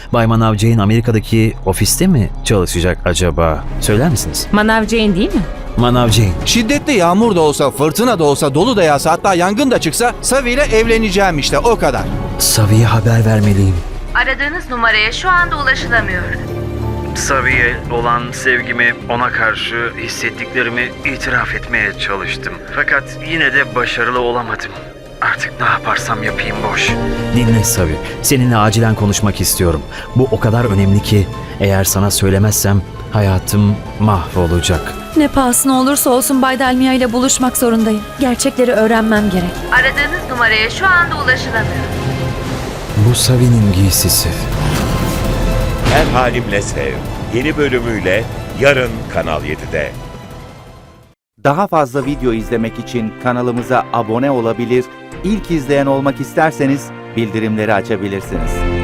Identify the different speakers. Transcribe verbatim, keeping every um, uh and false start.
Speaker 1: Bay Manav Jane Amerika'daki ofiste mi çalışacak acaba? Söyler misiniz?
Speaker 2: Manav Jane değil mi?
Speaker 1: Manav Jane.
Speaker 3: Şiddetli yağmur da olsa, fırtına da olsa, dolu da yağsa, hatta yangın da çıksa Savi ile evleneceğim işte, o kadar.
Speaker 1: Savi'ye haber vermeliyim.
Speaker 4: Aradığınız numaraya şu anda ulaşılamıyor.
Speaker 1: Savi'ye olan sevgimi, ona karşı hissettiklerimi itiraf etmeye çalıştım. Fakat yine de başarılı olamadım. Artık ne yaparsam yapayım boş. Dinle Savi, seninle acilen konuşmak istiyorum. Bu o kadar önemli ki eğer sana söylemezsem hayatım mahvolacak.
Speaker 5: Ne pahasına olursa olsun Bay Dalmia ile buluşmak zorundayım. Gerçekleri öğrenmem gerek.
Speaker 4: Aradığınız numaraya şu anda ulaşılamıyor.
Speaker 1: Bu Savi'nin giysisi.
Speaker 6: Her Halimle Sev yeni bölümüyle yarın Kanal yedide.
Speaker 7: Daha fazla video izlemek için kanalımıza abone olabilir, ilk izleyen olmak isterseniz bildirimleri açabilirsiniz.